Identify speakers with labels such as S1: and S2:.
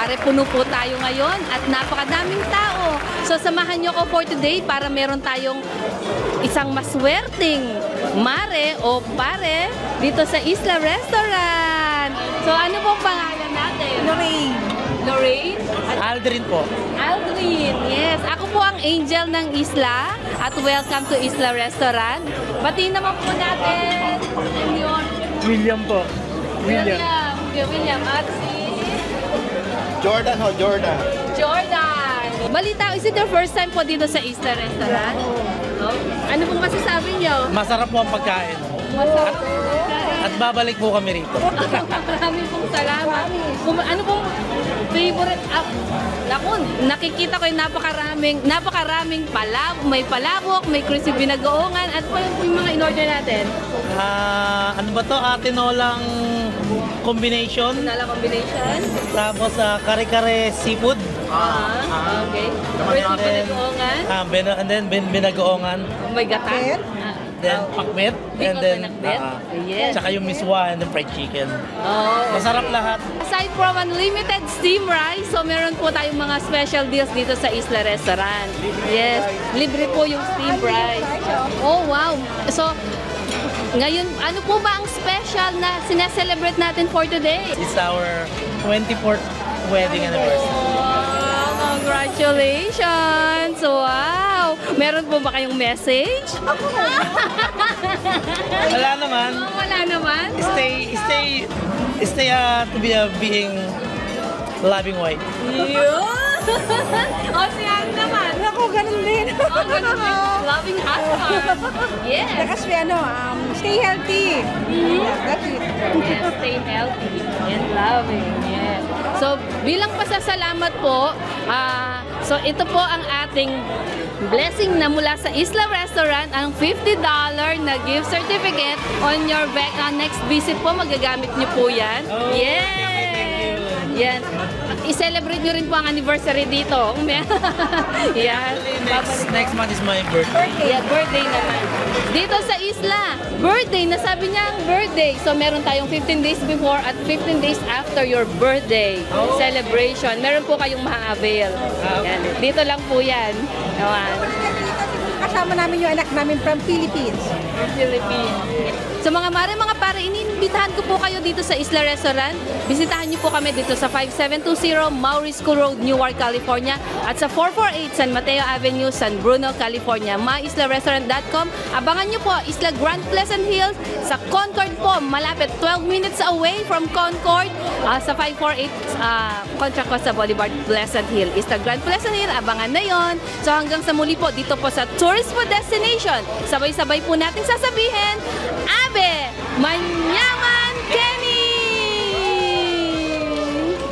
S1: Mare, puno po tayo ngayon at napakadaming tao. So samahan nyo ko for today para meron tayong isang maswerteng mare o pare dito sa Isla Restaurant. So ano pong pangalan natin?
S2: Lorraine.
S1: Lorraine?
S3: Aldrin po.
S1: Aldrin, yes. Ako po ang angel ng Isla at welcome to Isla Restaurant. Pati naman po natin yung
S3: William po.
S1: William. At si
S4: Jordan ho, Jordan.
S1: Jordan. Balita, is it your first time po dito sa Isla Restaurant? No? Ano pong masasabi niyo?
S3: Masarap po ang pagkain.
S1: Masarap.
S3: At babalik po kami rito.
S1: Maraming pong salamat. Ano pong favorite? Naku, nakikita ko yung napakaraming may palabok, may crispy binagoongan, at pa yung mga in-order natin.
S3: Ano ba to? Tinolang combination.
S1: Nala combination.
S3: Tapos kare-kare seafood.
S1: Okay. Crispy binagoongan.
S3: And then binagoongan.
S1: May gata.
S3: Then pakbet. And then
S1: Yes.
S3: tsaka yung miswa and then fried chicken.
S1: Oh.
S3: Masarap lahat.
S1: Aside from unlimited steam rice, so meron po tayong mga special deals dito sa Isla Restaurant. Yes, libre po yung steam rice. Oh, wow. So, ngayon, ano po ba ang special na sineselebrate natin for today?
S3: It's our 24th wedding anniversary.
S1: Wow, congratulations! Wow! Meron po ba kayong message?
S3: Wala naman.
S1: Oh, wala naman.
S3: Stay to be a being loving wife.
S1: Yun! O, siya naman.
S2: Ako, ganun din.
S1: Oh, ganun din. Loving husband. Yes.
S2: Kasi stay healthy. That's it.
S1: Yes, stay healthy and loving. Yes. So, bilang pasasalamat po, so ito po ang ating blessing na mula sa Isla Restaurant, ang $50 na gift certificate on your next visit po, magagamit niyo po yan.
S3: Oh,
S1: Yes! Yan. I-celebrate nyo rin po ang anniversary dito. Yan.
S3: Next month is my birthday.
S1: Yeah, birthday naman. Dito sa Isla, birthday, nasabi niya ang birthday. So meron tayong 15 days before at 15 days after your birthday celebration. Meron po kayong ma-avail. Yan. Dito lang po yan. Naman.
S2: Kasama namin yung anak namin from Philippines.
S1: Philippines. So mga mare, mga pare, iniimbitahan ko po kayo dito sa Isla Restaurant. Bisitahan niyo po kami dito sa 5720 Maury School Road, Newark, California at sa 448 San Mateo Avenue, San Bruno, California. MyIslaRestaurant.com. Abangan niyo po Isla Grand Pleasant Hills sa Concord po, malapit 12 minutes away from Concord sa 548 Contra Costa Boulevard, Pleasant Hill. Isla Grand Pleasant Hill, abangan na yon. So hanggang sa muli po dito po sa Tourist Food Destination. Sabay-sabay po natin sasabihin, Abe!